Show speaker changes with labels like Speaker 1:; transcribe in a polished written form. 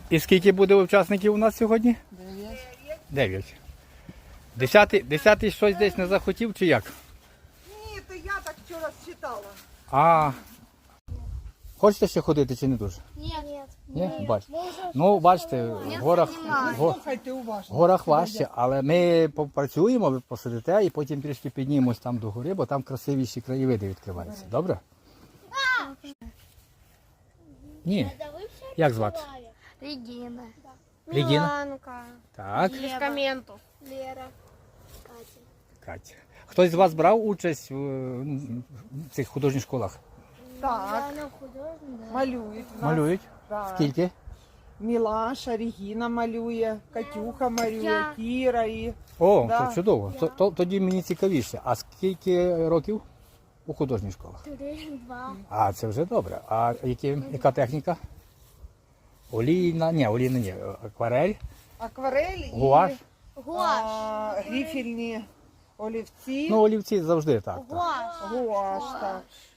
Speaker 1: І скільки буде учасників у нас сьогодні? 9. 10-й щось десь не захотів чи як?
Speaker 2: Ні, то я так вчора считала.
Speaker 1: А, хочете ще ходити чи не дуже? Ні? Бачите. Ну, бачите, в
Speaker 2: Слухайте уважно.
Speaker 1: горах важче, але ми попрацюємо, ви посидите і потім трішки піднімемось там до гори, бо там красивіші краєвиди відкриваються. Добре? Ні. Як звати?
Speaker 3: Регина.
Speaker 1: Регіна?
Speaker 3: Міланка.
Speaker 1: Так,
Speaker 3: Лескаментов. Лера. Катя.
Speaker 1: Катя. Хтось з вас брав участь в цих художніх школах?
Speaker 2: Так,
Speaker 3: Она художник, да.
Speaker 2: малюють. в нас.
Speaker 1: Малюють?
Speaker 2: Так.
Speaker 1: Скільки?
Speaker 2: Мілаша, Регіна малює, Катюха малює,
Speaker 3: Я.
Speaker 2: Кіра і...
Speaker 1: О,
Speaker 2: Да.
Speaker 1: то чудово. Тоді мені цікавіше. А скільки років у художніх школах?
Speaker 3: 3-2.
Speaker 1: А, це вже добре. А яка техніка? Олійна, ні, акварель,
Speaker 2: Акварель і
Speaker 1: гуаш.
Speaker 2: грифельні олівці.
Speaker 1: Ну, олівці завжди так.
Speaker 3: Гуаш.
Speaker 2: Гуаш, так.